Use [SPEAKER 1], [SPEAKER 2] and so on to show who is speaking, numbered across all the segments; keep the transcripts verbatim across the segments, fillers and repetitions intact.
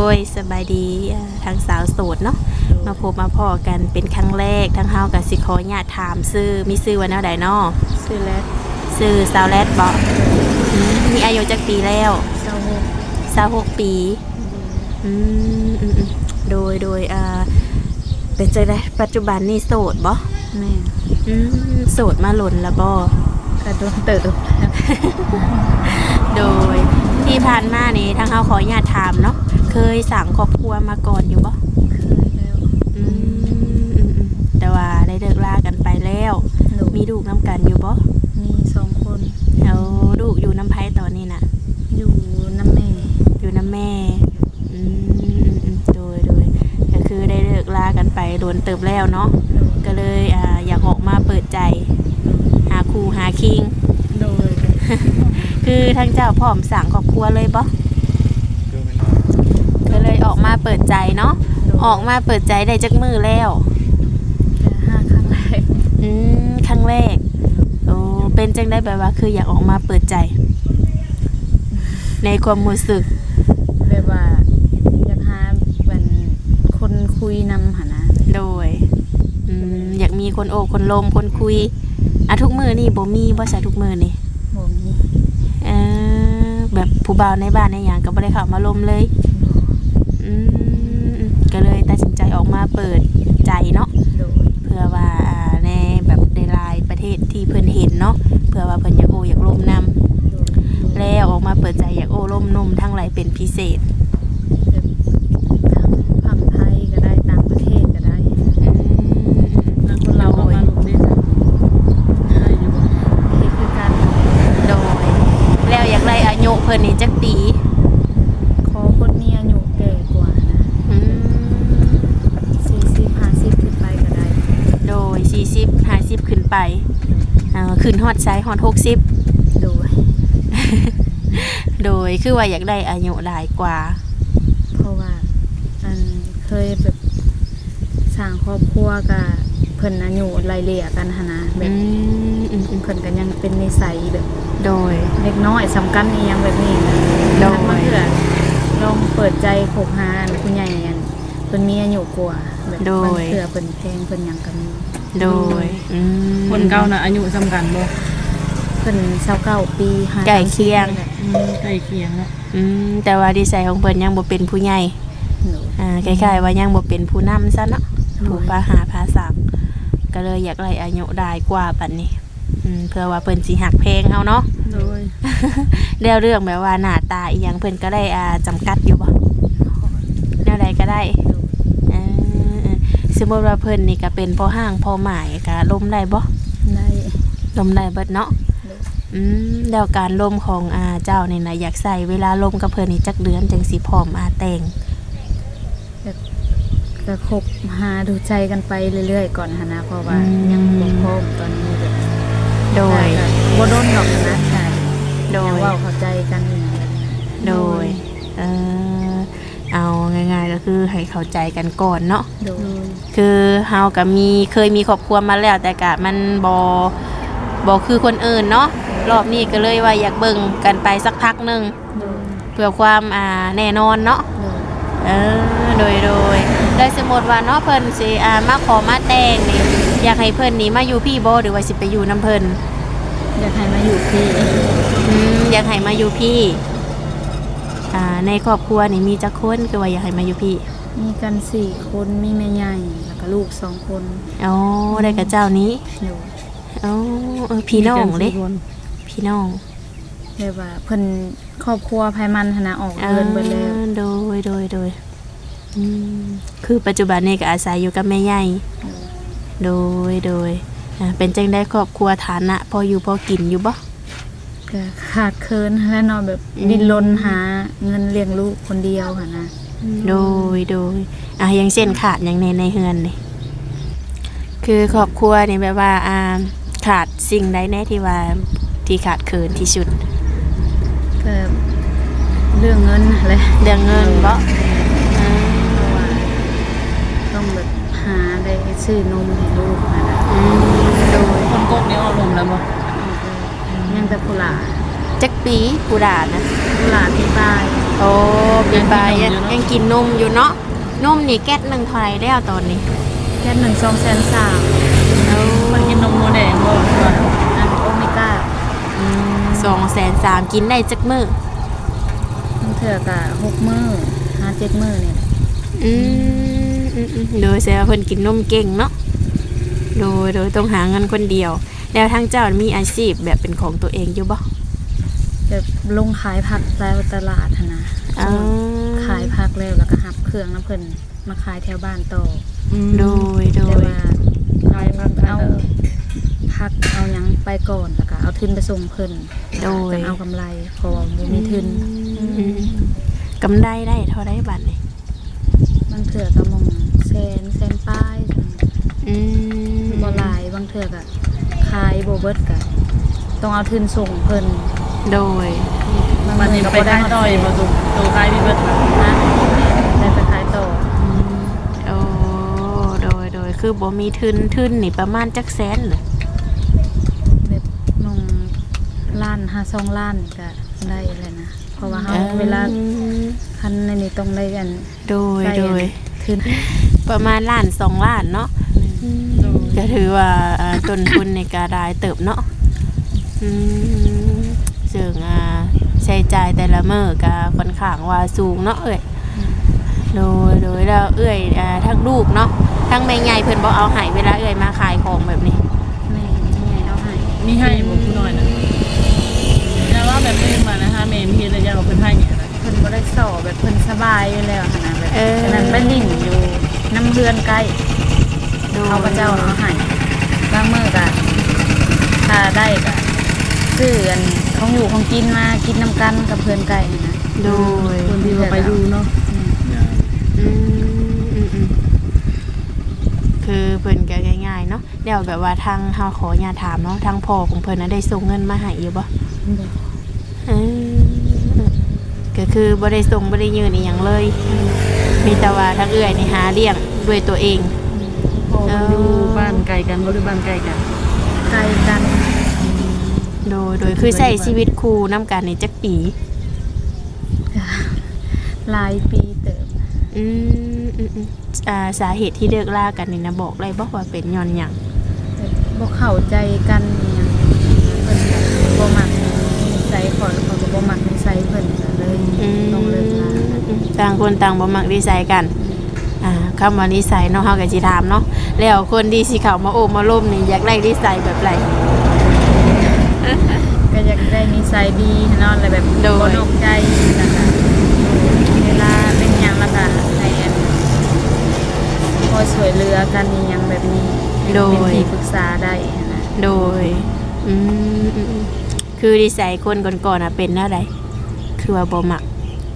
[SPEAKER 1] ยสบายดีทางสาวโสดเนาะมาพบมาพ่อกันเป็นครั้งแรกทั้งเฮากับสิขอญาติถามซื้อมีซื้อว่าแนวใดเนาะ
[SPEAKER 2] ซื้อแลด
[SPEAKER 1] ซื้อสาวแรดบ่มีอายุจักปีแล้ว
[SPEAKER 2] สาวหก
[SPEAKER 1] สาวหกปีอืมโดยโดยอ่าเป็นจังได๋ปัจจุบันนี่โสดบ่
[SPEAKER 2] แม่
[SPEAKER 1] อืมโสดมาหล่นแล้วบ่
[SPEAKER 2] กระโดดเติบ
[SPEAKER 1] โดยที่ผ่านมานี่ทางเฮาขอญาติถามเนาะเคยสั่งครอบครัวมาก่อนอยู่บ่
[SPEAKER 2] เคยแล้ว
[SPEAKER 1] อืมแต่ว่าได้เลิกลากันไปแล้วมีลูกน้ำกันอยู่บ่
[SPEAKER 2] มีสองคน
[SPEAKER 1] แล้วลูกอยู่น้ำไผตอนนี้น่ะ
[SPEAKER 2] อยู่น้ำแม่
[SPEAKER 1] อยู่น้ำแม่อืมโดยโดยก็คือได้เลิกลากันไปโดนเติบแล้วเนาะก็เลยอ่าอยากออกมาเปิดใจหาคู่หาคิง
[SPEAKER 2] โดย
[SPEAKER 1] คือทางเจ้าพร้อมสั่งครอบครัวเลยบ่ก็เลยออกมาเปิดใจเนาะออกมาเปิดใจได้จักมือแล้ว
[SPEAKER 2] ห้าครั้งแรก
[SPEAKER 1] อืมครั้งแรกโอ้เป็นจังได้แบบว่าคืออยากออกมาเปิดใจในความรู้สึก
[SPEAKER 2] แบบว่าอยากหาเป็นคนคุยนำหานะ
[SPEAKER 1] โดยอืมอยากมีคนโอ้คนลมคนคุยอ่ะทุกมือนี่บ่มีบ่ใช่ทุกมือนี่
[SPEAKER 2] บ่มี
[SPEAKER 1] เออแบบผู้บ่าวในบ้านในหยังก็บ่ได้เข้ามาลมเลยอืมก็เลยตัดสินใจออกมาเปิดใจเนาะเพื่อว่าในแบบในหลายประเทศที่เพิ่นเห็นเนาะเพื่อว่าเพิ่นอยากโอ้อยากลมนำแล้วออกมาเปิดใจอยากโอ้ลมนุ่มทั้งหลายเป็นพิเศษ
[SPEAKER 2] ทั้งฝั่งไทยก็ได้ต่างประเทศก็ได้
[SPEAKER 1] แล้วคนเราเอามาลมได้จ้ะได้อยู่บ่
[SPEAKER 2] เฮ็ดคือกัน
[SPEAKER 1] โดยแล้วอยากได้อายุเพิ่นนี่จักปี
[SPEAKER 2] ขอคนมีอายุแก่กว่านะ
[SPEAKER 1] อืม
[SPEAKER 2] สี่สิบ ห้าสิบขึ้นไปก็ได้
[SPEAKER 1] โดยสี่สิบ ห้าสิบขึ้นไปเอ่อขึ้นฮอดไซฮอดหกสิบ
[SPEAKER 2] โดย
[SPEAKER 1] โดยคือว่าอยากได้อายุหลายกว่า
[SPEAKER 2] เพราะว่าอันเคยแบบสร้างครอบครัวกับเพิ่นอายุไล่เลี่ยกันหั่นนะแบบเพิ่นก็ยังเป็นนิสัยแบบ
[SPEAKER 1] โดย
[SPEAKER 2] เล็กน้อยสำคัญอีหยังแบบนี้นะ
[SPEAKER 1] โดย
[SPEAKER 2] มันคือลองเปิดใจคบหาผู้ใหญ่อันเพิ่นมีอายุกว่าแบบบางเทื่อเพิ่นแพงเพิ่นหยังก็มี
[SPEAKER 1] โดย
[SPEAKER 3] คนเก่าน่ะอายุสำคัญบ่
[SPEAKER 2] เพิ่นยี่สิบเก้าปี
[SPEAKER 1] ใกล้เคียง
[SPEAKER 3] ใกล้เคียงเนาะ
[SPEAKER 1] อืมแต่ว่าดีไซน์ของเพิ่นยังบ่เป็นผู้ใหญ่อ่าคล้ายๆว่ายังบ่เป็นผู้นำซะเนาะผู้พาหาพาสักก็เลยอยากไล่อายุได้กว่าปานนี้อืมเพื่อว่าเพิ่นสิหักแพงเฮาเนาะ
[SPEAKER 3] โดย
[SPEAKER 1] แล้วเรื่องแบบว่าหน้าตาอีหยังเพิ่นก็ได้อ่าจำกัดอยู่บ่แนวใดก็ได้เออสมมุติว่าเพิ่นนี่ก็เป็นพ่อห้างพ่อหมายก็ล้มได้บ่
[SPEAKER 2] ได้
[SPEAKER 1] ล้มได้เบิดเนาะอืมแล้วการล้มของอาเจ้านี่นะอยากใส่เวลาล้มกับเพิ่นนี่จักเดือนจังสิพร้อมอาแต่ง
[SPEAKER 2] แบบก็คบหาดูใจกันไปเรื่อยๆก่อนหั่นนะเพราะว่ายังบ่พร้อมตอนนี้แบบ
[SPEAKER 1] โดย
[SPEAKER 2] บ่โดนดอกนะใช่
[SPEAKER 1] โดย
[SPEAKER 2] เว้าเข้าใจกันอย่างนั้น
[SPEAKER 1] โดยเออเอาง่ายๆก็คือให้เข้าใจกันก่อนเนาะ
[SPEAKER 2] โดย
[SPEAKER 1] คือเฮาก็มีเคยมีครอบครัวมาแล้วแต่ก็มันบ่บ่คือคนอื่นเนาะรอบนี้ก็เลยว่าอยากเบิ่งกันไปสักพักนึงเพื่อความอ่าแน่นอนเนาะเออโดยโดยได้สมมติว่าเนาะเพิ่นสิอ่ามาขอมาแต่งนี่อยากให้เพิ่นนี่มาอยู่พี่บ่หรือว่าสิไปอยู่นำเพิ่น
[SPEAKER 2] อยากให้มาอยู่พี่
[SPEAKER 1] อืมอยากให้มาอยู่พี่อ่าในครอบครัวนี่มีจักคนคือว่าอยากให้มาอยู่พี่
[SPEAKER 2] มีกันสี่คนมีแม่ใหญ่แล้วก็ลูกสองคน
[SPEAKER 1] อ๋อได้กับเจ้านี้อ๋อเออพี่น้องเด้พี่น้อง
[SPEAKER 2] เรียกว่าเพิ่นครอบครัวภายมันหั่นน่ะออกเดินเบิดแล้ว
[SPEAKER 1] โดยโดยโดยอืมคือปัจจุบันนี้ก็อาศัยอยู่กับแม่ใหญ่โดยโดยอ่าเป็นจังได้ครอบครัวฐานะพออยู่พอกินอยู่บ่
[SPEAKER 2] ก็ขาดเคินและเนาะแบบดิ้นรนหาเงินเลี้ยงลูกคนเดียวหั่นนะ
[SPEAKER 1] โดยโดยอ่ะอย่างเช่นขาดอย่างในในเฮือนนี่คือครอบครัวนี่แบบว่าอ่าขาดสิ่งใดแน่ที่ว่าที่ขาดเคินที่สุด
[SPEAKER 2] ก็เรื่องเงินอะไร
[SPEAKER 1] เรื่องเงินบ่
[SPEAKER 2] เพราะว่าต้องแบบหาได้ซื้อนมให้ลูกนะ
[SPEAKER 1] โดย
[SPEAKER 3] คนกกนี่ออกลมแล้วบ่
[SPEAKER 2] ยังแต่กุหลาบ
[SPEAKER 1] จักปีกุหลาบนะ
[SPEAKER 2] กุหลาบที่ตาย
[SPEAKER 1] โอ้เป็นบายยังยังกินนมอยู่เนาะนมนี่แก๊สหนึ่งเท่าไหร่แล้วตอนนี้
[SPEAKER 2] แค่หนึ่งสองแสนสาม
[SPEAKER 1] เอา
[SPEAKER 3] มันกินนมโมแดงบ่ว่า
[SPEAKER 2] อันโอเมก้า
[SPEAKER 1] สองแสนสามกินได้จักมื้อ
[SPEAKER 2] มันเถื่อกะหกมื้อห้าเจ็ดมื้อเนี่ย
[SPEAKER 1] อืมอืมอืมโดยแสดงว่าเพิ่นกินนมเก่งเนาะโดยโดยต้องหาเงินคนเดียว แล้วทางเจ้ามีอาชีพแบบเป็นของตัวเองอยู่บ่
[SPEAKER 2] แบบลงขายผักแล้วตลาดหั้นนะ
[SPEAKER 1] อ๋อ
[SPEAKER 2] ขายผักแล้วแล้วก็หับเครื่องน้ำเพิ่นมาขายแถวบ้านต่อ
[SPEAKER 1] โดยโด
[SPEAKER 2] แต่
[SPEAKER 1] ย
[SPEAKER 2] ว่า
[SPEAKER 3] ขายผัก
[SPEAKER 2] เอาผักเอาหยังไปก่อนแล้วก็เอาทุนไปส่งเพิ่น
[SPEAKER 1] โดย
[SPEAKER 2] จังเอากำไรเพราะว่าบ่มีทุน
[SPEAKER 1] อืมกำไรได้เท่าไรบัดนี่
[SPEAKER 2] บางเถื่อก็มองแสนแสนป้าย
[SPEAKER 1] อืม
[SPEAKER 2] บ่หลายบางเถื่อก็ขายบ่เบิดก็ต้องเอาทุนส่งเพิ่น
[SPEAKER 1] โดย
[SPEAKER 2] บาง
[SPEAKER 3] มันนี่
[SPEAKER 2] มื้อ
[SPEAKER 3] ไป
[SPEAKER 2] ก็บ่ได้
[SPEAKER 3] ทางดอยบ่ตุกโตขายพี่เบิดมา
[SPEAKER 2] นะได้ไปขายต่อ
[SPEAKER 1] โอ้โดยโดยคือบ่มีทุนทุนนี่ประมาณจักแสนน่ะ
[SPEAKER 2] แบบมองล้านห้าสองล้านก็ได้เลยนะเพราะว่าเฮาเวลาคันในนี้ต้องได้กัน
[SPEAKER 1] โดย
[SPEAKER 2] ได้
[SPEAKER 1] โดย
[SPEAKER 2] ทุน
[SPEAKER 1] ประมาณล้านสองล้านเนาะก็ถือว่าอ่าต้นทุนในการรายเติบเนาะอืมซึ่งอ่าใช้จ่ายแต่ละมื้อก็ค่อนข้างว่าสูงเนาะเอ้ยโดยโดยแล้วเอ้ยอ่าทั้งลูกเนาะทั้งแม่ใหญ่เพิ่นบ่เอาให้เวลาเอ้ยมาขายของแบบนี้
[SPEAKER 2] แม่ยังไงเอาให้
[SPEAKER 3] มีให้บ่ผู้น้อยนะแล้วว่าแบบนี้มานะคะแม่มีเฮ็ดแล้วอยากเอาเพิ่นให้เนี่ยนะ
[SPEAKER 2] เพิ่นบ่ได้สอบแบบเพิ่นสบายอยู่แล้วหั่นน่ะแบบ
[SPEAKER 1] เออ
[SPEAKER 2] ฉะนั้นไปลิ่นอยู่น้ำเพื่อนใกล้
[SPEAKER 1] โดย
[SPEAKER 2] เขาพระเจ้าเอาให้บางมื้อก็ถ้าได้ก็ซื้ออันของอยู่ของกินมากินน้ำกันกับเพื่อนไก่นะ
[SPEAKER 1] โดย
[SPEAKER 3] คนที่ว่าไปอยู่เนาะ
[SPEAKER 1] อืมอืมอืมคือเพิ่นก็ง่ายๆเนาะเดี๋ยวแบบว่าทางเฮาขออย่าถามเนาะทางพ่อของเพิ่นน่ะได้ส่งเงินมาให้อยู่บ่อืมก็คือบ่ได้ส่งบ่ได้ยืนอีหยังเลย มีแต่ว่าทางเอื้อยนี่หาเลี้ยงด้วยตัวเอง
[SPEAKER 3] พอมันอยู่บ้านไกลกันบ่หรือบ้านไกลกัน
[SPEAKER 2] ไก่กัน
[SPEAKER 1] โดยโดยคือใช้ชีวิตคู่นำกันนี่จักปี
[SPEAKER 2] หลายปีเติบ
[SPEAKER 1] อืมอืมอืมอ่าสาเหตุที่เลิกลากันนี่นะบอกเลยบ่ว่าเป็นย้อนหยัง
[SPEAKER 2] แบบบ่เข้าใจกันอหยังเพิ่นก็บ่มักนิสัยขอยเขาก็บ่มักนิสัยเพิ่นก็เลย
[SPEAKER 1] อืม
[SPEAKER 2] ต้องเลิกลากัน
[SPEAKER 1] ต่างคนต่างบ่มักนิสัยกัน อ่าคำว่านิสัยเนาะเฮาก็สิถามเนาะแล้วคนที่สิเข้ามาโอบมาล้มนี่อยากได้นิสัยแบบไร
[SPEAKER 2] ก็อยากได้นิสัยดีเนาะแล้วแบบ
[SPEAKER 1] โดย
[SPEAKER 2] บ่นอกใจแล้วก็เวลาเป็นหยังแล้วก็ให้อันคอยช่วยเหลือกันอหยังแบบนี้ให้เป็นที่ปรึกษาได้นะ
[SPEAKER 1] โดยอืมอืมอืมคือนิสัยคนก่อนๆน่ะเป็นแนวใดคือว่าบ่มัก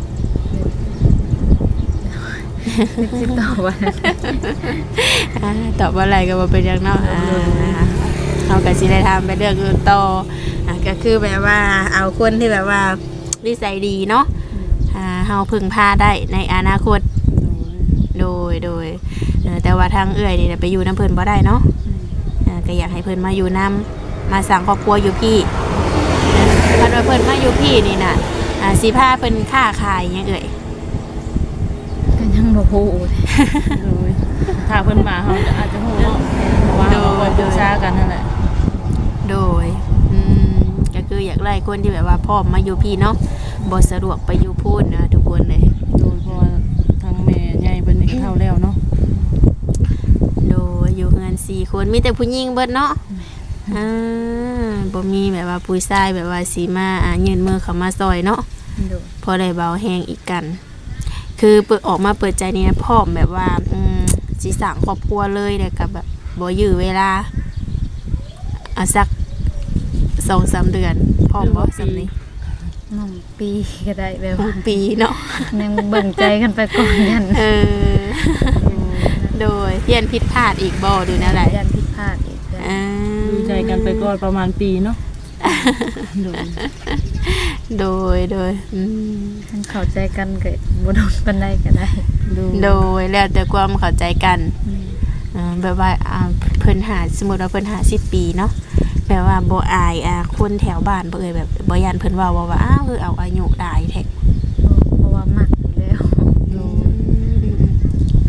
[SPEAKER 2] สิตอบว่า
[SPEAKER 1] อ่าตอบว่าอะไรก็บ่เป็นหยังเนาะอ่าเอาก็สิได้ทำไปเรื่องอื่นต่ออ่าก็คือแบบว่าเอาคนที่แบบว่านิสัยดีเนาะอ่าเฮาพึ่งพาได้ในอนาคตโดยโดยเอ่อแต่ว่าทางเอื้อยนี่น่ะไปอยู่น้ำเพิ่นบ่ได้เนาะอ่าก็อยากให้เพิ่นมาอยู่นํมาสร้างครอบครัวอยู่พี่คันว่าเพิ่นมาอยู่พี่นี่น่ะอ่าสิพาเพิ่นค้าขายหยังเอ่ย
[SPEAKER 2] ก็ยังบ่ฮู้
[SPEAKER 3] โดยถ้าเพิ่นมาเฮาจะอาจจะฮู้เนาะเพราะว่าเราก็ปรึกษากันนั่นแหละ
[SPEAKER 1] โดยอืมก็คืออยากไล่คนที่แบบว่าพ่อมมาอยู่พี่เนาะบ่สะดวกไปอยู่พูดนะทุกคนเลย
[SPEAKER 3] โดยเพราะว่าทางแม่ใหญ่เพิ่นนี่ก็เฒ่าแล้วเนาะ
[SPEAKER 1] โดยอยู่เฮือนสี่คนมีแต่ผู้หญิงเบิดเนาะอ่าบ่มีแบบว่าผู้ชายแบบว่าสีมาอ่ายื่นมือเข้ามาซอยเนาะ
[SPEAKER 2] โดย
[SPEAKER 1] พอได้เบาแห้งอีกกัน คือเปิดออกมาเปิดใจนี่นะพร้อมแบบว่าอืมสิสร้างครอบครัวเลยแต่กับแบบบ่ยื้อเวลาอ่ะสัก สองสาม เดือนพร้อมบ่สำนี้
[SPEAKER 2] น้องปีก็ได้แบบ
[SPEAKER 1] ห
[SPEAKER 2] ว่าก
[SPEAKER 1] ปีเนาะ
[SPEAKER 2] ยังเบิ่งใจกันไปก่อนยัน
[SPEAKER 1] เออ โดยเพียนผิดพลาดอีกบ่ดูนะไร
[SPEAKER 2] ยันผิดพลาดอีกแล้ว
[SPEAKER 1] อ่า
[SPEAKER 3] ดูใจกันไปก่อนประมาณปีเนาะโดย
[SPEAKER 1] โดยโดยอืม
[SPEAKER 2] ท่านเข้าใจกันก็บ่โดนปานใดก็ได้
[SPEAKER 3] โดย
[SPEAKER 1] โดยแล้วแต่ความเข้าใจกัน
[SPEAKER 2] อืม
[SPEAKER 1] อ่าแบบว่าอ่าเพิ่นหาสมมุติว่าเพิ่นหาสิบปีเนาะแบบว่าบ่อายอ่าคนแถวบ้านบ่เอ่ยแบบบ่ยันเพิ่นว่าว่าว่าอ้าวคือเอาอายุได้แท้
[SPEAKER 2] เพราะว่า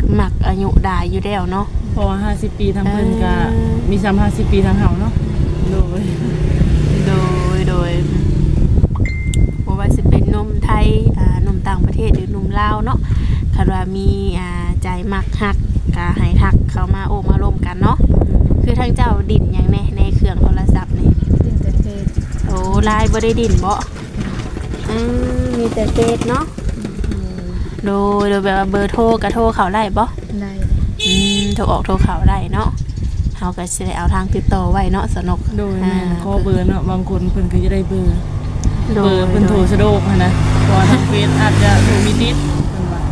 [SPEAKER 1] มักอายุดายอยู่แล้วเนาะ
[SPEAKER 3] เพราะว่าห้าสิบปีทางเพิ่นก็
[SPEAKER 1] เออ
[SPEAKER 3] มีซ้ำห้าสิบปีทางเฮาเนาะโดย
[SPEAKER 1] โดยโดยบ่ว่าสิเป็นหนุ่มไทยอ่าหนุ่มต่างประเทศหรือหนุ่มลาวเนาะคันว่ามีอ่าใจมักฮักก็ให้ทักเข้ามาโอ้มาร่วมกันเนาะคือทั้งเจ้าดินหยังแน่ในเครื่องโทรศัพท์นี่
[SPEAKER 2] ดินแต่เฟซ
[SPEAKER 1] โอ้ไลน์บ่ได้ดินบ่อืมมีแต่เฟซเนาะโดยโดยแบบว่าเบอร์โทรก็โทรเข้าได้บ่
[SPEAKER 2] ได้
[SPEAKER 1] อืมโทรออกโทรเข้าได้เนาะเฮาก็สิได้เอาทางติดต่อไว้เนาะสนก
[SPEAKER 3] โดยแม่นขอเบอร์เนาะบางคนเพิ่นก็จะได้เบอร์
[SPEAKER 1] โด
[SPEAKER 3] เบอย ร์เพิ่นโทรสะดวกหั้นนะเพราะว่าทางเฟซอาจจะโทรมีติดเพิ่นว่า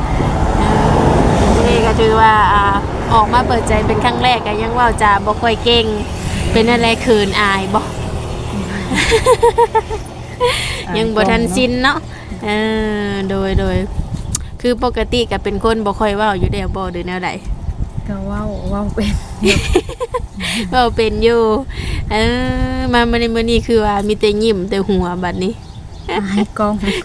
[SPEAKER 1] นี่ก็ถือว่าอ่าออกมาเปิดใจเป็นครั้งแรกก็ยังเว่าจะบ่ค่อยเก่งเป็นอะไรคืนอายบ่ ยังบ่ทันชินเนาะเออโดยโดยคือปกติก็เป็นคนบ่ค่อยเว้าอยู่แล้วบ่หรือแนวใด
[SPEAKER 2] ก็เว้าเว้าเป็น
[SPEAKER 1] เว้าเป็นอยู่เออมามื้อนี้มื้อนี้คือว่ามีแต่ยิ้มแต่หัวบัดนี้
[SPEAKER 2] ให้กล้อง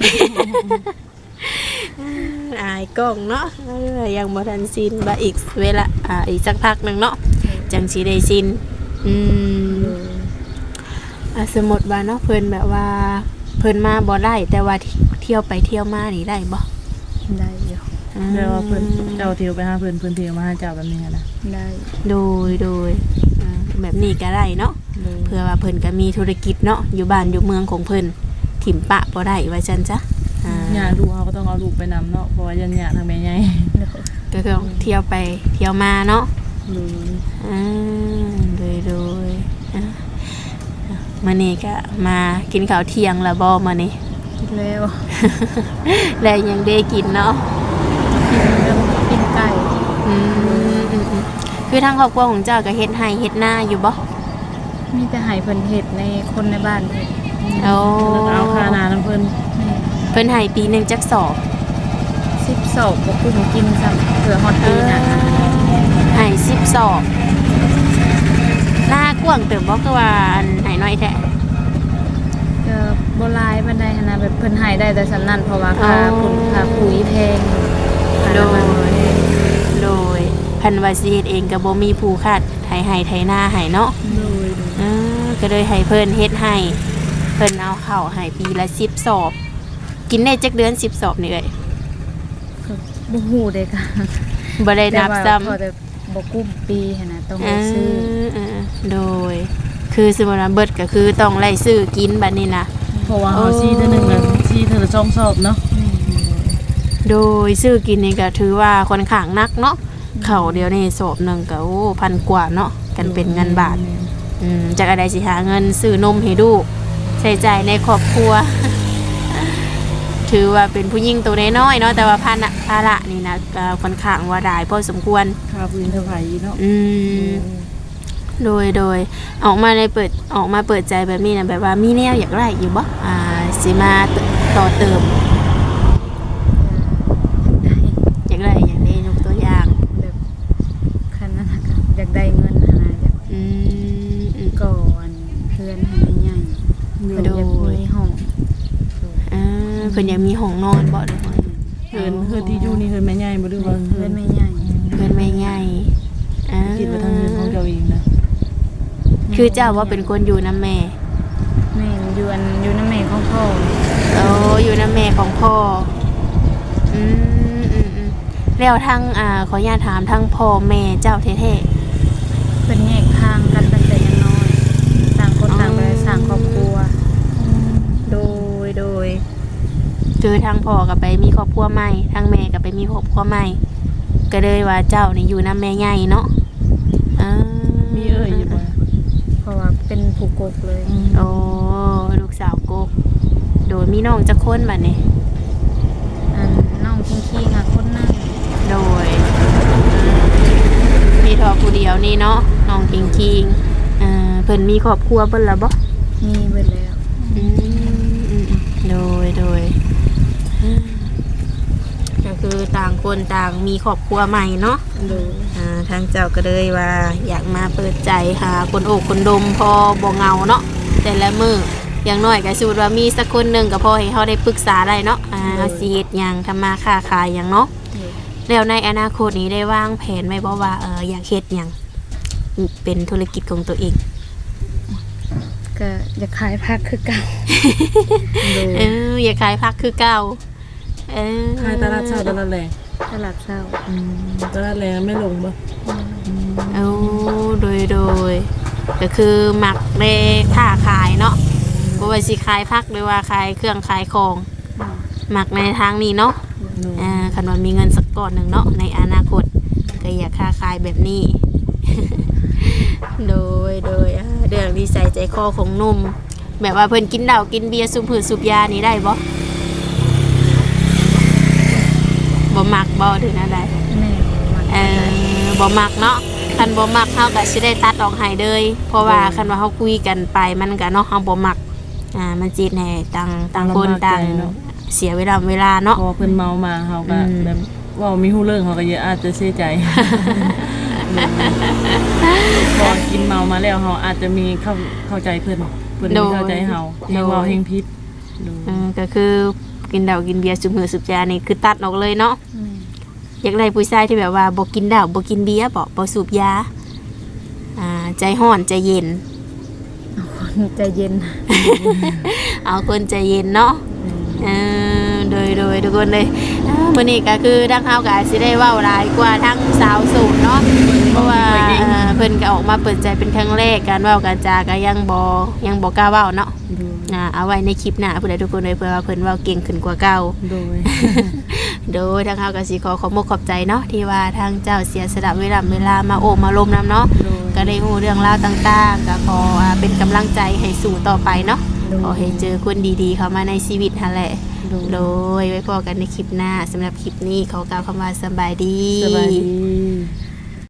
[SPEAKER 1] อายกล้องเนาะเออยังบ่ทันชินบ่อีกเวลาอ่าอีกสักพักหนึงเนาะจังสิได้ชินอืมอ่ะสมมุติว่าเนาะเพิ่นแบบว่าเพิ่นมาบ่ได้แต่ว่าเที่ยวไปเที่ยวมานี่ได้บ่
[SPEAKER 2] ได้อยู่
[SPEAKER 1] อืม
[SPEAKER 3] เดี๋ยวว่าเพิ่นเจ้าเที่ยวไปหาเพิ่นเพิ่นเที่ยวมาหาเจ้าแบบนี้หั้นนะ
[SPEAKER 2] ได้
[SPEAKER 1] โดยโดยอ่าแบบนี้ก็ได้เนาะ
[SPEAKER 3] โดย
[SPEAKER 1] เพื่อว่าเพิ่นก็มีธุรกิจเนาะอยู่บ้านอยู่เมืองของเพิ่นถิ่มปะบ่ได้ว่าซั่นจ้ะอ่า
[SPEAKER 3] ญาติลูกเฮาก็ต้องเอาลูกไปนำเนาะเพราะว่าญาติญาติทางแม่ใหญ่
[SPEAKER 2] เดี๋ยว
[SPEAKER 1] ก็คือเที่ยวไปเที่ยวมาเนาะ
[SPEAKER 3] โดย
[SPEAKER 1] อ่าโดยโดยอ่ะมื้อนี้ก็มากินข้าวเที่ยงแล้วบ่มื้อนี้
[SPEAKER 2] แล้ว
[SPEAKER 1] แล้วยังได้กินเนาะ
[SPEAKER 2] กินเรื่องกินไก่
[SPEAKER 1] อืมอืมอืมคือทางครอบครัวของเจ้าก็เฮ็ดให้เฮ็ดหน้าอยู่บ่
[SPEAKER 2] มีแต่ให้เพิ่นเฮ็ดในคนในบ้านเฮ็ด
[SPEAKER 1] โอ้
[SPEAKER 3] แล้วก็เอาค่านาน้ำเพิ่น
[SPEAKER 2] แม่
[SPEAKER 1] เพิ่นให้ปีหนึงจักสอบ
[SPEAKER 2] สิบสองบ่คุ้มกินซ้ำเผื่อฮอดปีหน้า
[SPEAKER 1] ให้สิบสอบหน้ากว้างเติบบ่คือว่าอันให้น้อยแท้
[SPEAKER 2] ก็บ่หลายปานใดหันนะแบบเพิ่นให้ได้แต่สำนั้นเพราะว่าค่า
[SPEAKER 1] อ๋อ
[SPEAKER 2] ปุ๋นค่าปุ๋ยแพงค่า
[SPEAKER 1] โด
[SPEAKER 2] น้ำมัน
[SPEAKER 1] ยโดยพันว่าสิเฮ็ดเองก็บ่มีผู้คาดไถให้ไถนาให้เนาะ
[SPEAKER 2] โดย
[SPEAKER 1] เออก็เลยให้เพิ่นเฮ็ดให้เพิ่นเอาข้าวให้ปีละสิบสอบ กินได้จักเดือนสิบสอบนี่เอ้ย
[SPEAKER 2] ก็บ่ฮู้เด้ค่ะ
[SPEAKER 1] บ่ได้นับซ้ำ
[SPEAKER 2] แต่ว่าพอแต่บ่กุ้มปีหันนะต้อง
[SPEAKER 1] เอ
[SPEAKER 2] ไปซื้อ
[SPEAKER 1] อเออโดย คือสมมุติว่าเบิดก็คือต้องไล่ซื้อกินบัดนี้นะ
[SPEAKER 3] เพราะว่าเฮาซีเทื่อหนึงน่ะซีเทื่อละสองสอบเนาะ
[SPEAKER 1] โดยซื้อกินนี่ก็ถือว่าค่อนข้างหนักเนาะเขาวเดียวนี่สอบหนึงก็โอ้พันกว่าเนาะกันเป็นเงินบาทอืมจากอะไรสิหาเงินซื้อนมให้ลูกใช้จ่ายในครอบครัว ถือว่าเป็นผู้หญิงตัวน้อยๆเนาะแต่ว่าภาระภาระนี่นะก็ค่อนข้างว่าได้พอสมควร
[SPEAKER 3] ค่าพื้นเท่าไหร่เนาะ
[SPEAKER 1] อืมโดยโดยออกมาในเปิดออกมาเปิดใจแบบนี้นะแบบว่ามีแนวอยากได้อยู่บ่อ่าสิมาต่อเติมอยากได้อย่างนี้ยกตัวอย่าง
[SPEAKER 2] แบบคันนั้นน่ะก็อยากได้เงินหันนะอยาก
[SPEAKER 1] อืมอืม
[SPEAKER 2] ก่อนเพื่อนให้ใหญ่ๆเพิ่นอยากมีห้อง
[SPEAKER 1] อ่าเพิ่นอยากมีห้องนอนบ่เด้อ
[SPEAKER 3] เฮือนเฮือนที่อยู่นี่เฮือนแม่ใหญ่บ่หรือว่า
[SPEAKER 2] เพื่อนไม่ใหญ่
[SPEAKER 1] เพิ่นไม่ใหญ่อ่า
[SPEAKER 3] คิดว่าทางเฮือนของเจ้าเองนะ
[SPEAKER 1] คือเจ้าว่าเป็นคนอยู่นำแม่
[SPEAKER 2] แม่อยู่อันอยู่น้ำแม่ของพ่อ
[SPEAKER 1] โอ้อยู่นำแม่ของพ่ออืมอืมอืมแล้วทางอ่าขออนุญาตถามทางพ่อแม่เจ้าแท้ๆ
[SPEAKER 2] เป็นแยกทางกันตั้งแต่ยังน้อยต่างคนต่างไปสร้างครอบครัว
[SPEAKER 1] โดยโดยคือทางพ่อกับไปมีครอบครัวใหม่ทางแม่กับไปมีครอบครัวใหม่ก็เลยว่าเจ้านี่อยู่น้ำแม่ใหญ่เนาะอ่า
[SPEAKER 3] มีเอ้ยอยู่บ่
[SPEAKER 2] เพราะว่าเป็นผู้กกเลย
[SPEAKER 1] โอ้ลูกสาวกกโดยมีน้องจักคนบัดนี้
[SPEAKER 2] อันน้องคิงคิงอ่ะคนนั่ง
[SPEAKER 1] โดยมีทอผู้เดียวนี่เนาะน้องคิงคิงอ่าเพิ่นมีครอบครัวเพิ่นละบ่
[SPEAKER 2] มีเบิดแล้ว
[SPEAKER 1] อืมอืมโดยโดยอ่าก็คือต่างคนต่างมีครอบครัวใหม่เนาะ
[SPEAKER 2] โดย
[SPEAKER 1] อ่าทางเจ้าก็เลยว่าอยากมาเปิดใจหาคนโอกคนดมพอบ่เหงาเนาะแต่ละมืออย่างน้อยก็สูดว่ามีสักคนหนึ่งก็พอให้เขาได้ปรึกษาได้เนาะอ่าเอาสิเฮ็ดหยังทำมาค้าขายหยังเนาะ
[SPEAKER 2] โดย
[SPEAKER 1] อแล้วในอนาคตนี้ได้วางแผนไว้บ่ว่าเอออยากเฮ็ดหยังเป็นธุรกิจของตัวเอง
[SPEAKER 2] ก็อยากขายผักคือเก่า
[SPEAKER 1] เอออยากขายผักคือเก่าเออ
[SPEAKER 3] ขายตลาดเช้าตลาดแรง
[SPEAKER 2] ตลาดเช้า
[SPEAKER 3] อืมตลาดแรงไม่ลงบ่
[SPEAKER 1] เอาโดยโดยก็คือหมักได้ค่าขายเนาะบ่ว่าสิขายผักหรือว่าขายเครื่องขายของหมักในทางนี้เนาะ อ่าคันว่ามีเงินสักก้อนหนึ่งเนาะในอนาคตก็อยากค้าขายแบบนี้ โดยโดยอ่าเรื่องนิสัยใจคอของหนุ่มแบบว่าเพิ่นกินเหล้ากินเบียร์สูบผืนสูบยานี่ได้บ่บ่มักบ่ถึงนั่นได้
[SPEAKER 2] แม่มัน
[SPEAKER 1] เออบ่มักเนาะคันบ่มักเฮาก็สิได้ตัดออกให้เลยเพราะว่าคันว่าเฮาคุยกันไปมันก็เนาะเฮาบ่มักอ่ามันจิตแหน่ต่างต่างคนต่างเสียเวลาเวลาเนาะ
[SPEAKER 3] พอเพิ่นเมามาเฮาก็
[SPEAKER 1] อืม
[SPEAKER 3] แบบเว้ามีฮู้เรื่องเฮาก็เยอะอาจจะเสียใจ พอกินเมามาแล้วเฮาอาจจะมีเข้าเข้าใจเพิ่นเพิ่นมีเข้าใจเฮาเฮาเว้าเฮงพิษดู
[SPEAKER 1] เออก็คือกินเหล้ากินเบียร์สูบหือสูบยานี่คือตัดออกเลยเนาะ
[SPEAKER 2] แม่
[SPEAKER 1] อยากได้ผู้ชายที่แบบว่าบ่กินเหล้าบ่กินเบียร์บ่บ่สูบยาอ่าใจร้อนใจเย็น
[SPEAKER 2] คนใจเย็น
[SPEAKER 1] เอาคนใจเย็นเนาะเออโดยโดยทุกคนเลยอ่ามื้อนี้ก็คือทางเฮาก็อาจสิได้เว้าหลายกว่าทั้งสาวโสดเนาะเพราะว่าเอ่อเพิ่นก็ออกมาเปิดใจเป็นครั้งแรกการเว้าการจาก็ยังบ่ยังบ่กล้าเว้าเนาะ
[SPEAKER 3] ดู
[SPEAKER 1] อ่าเอาไว้ในคลิปหน้าผู้ใดทุกคนเลยเพื่อว่าเพิ่นเว้าเก่งขึ้นกว่าเก่า
[SPEAKER 3] โดย
[SPEAKER 1] โดยทางเขาก็สิขอขอบมกขอบใจเนาะที่ว่าทางเจ้าเสียสละเวลาเวลามาโอบมาลมนำเนาะ
[SPEAKER 3] โดย
[SPEAKER 1] ก็ได้รู้เรื่องราวต่างๆก็ขออ่าเป็นกำลังใจให้สู่ต่อไปเนาะขอให้เจอคนดีๆเข้ามาในชีวิตหั่นแหละ
[SPEAKER 3] โดย
[SPEAKER 1] โดยไว้พอกันในคลิปหน้าสำหรับคลิปนี้ขอกล่าวคำว่าสบายดี
[SPEAKER 3] สบายดี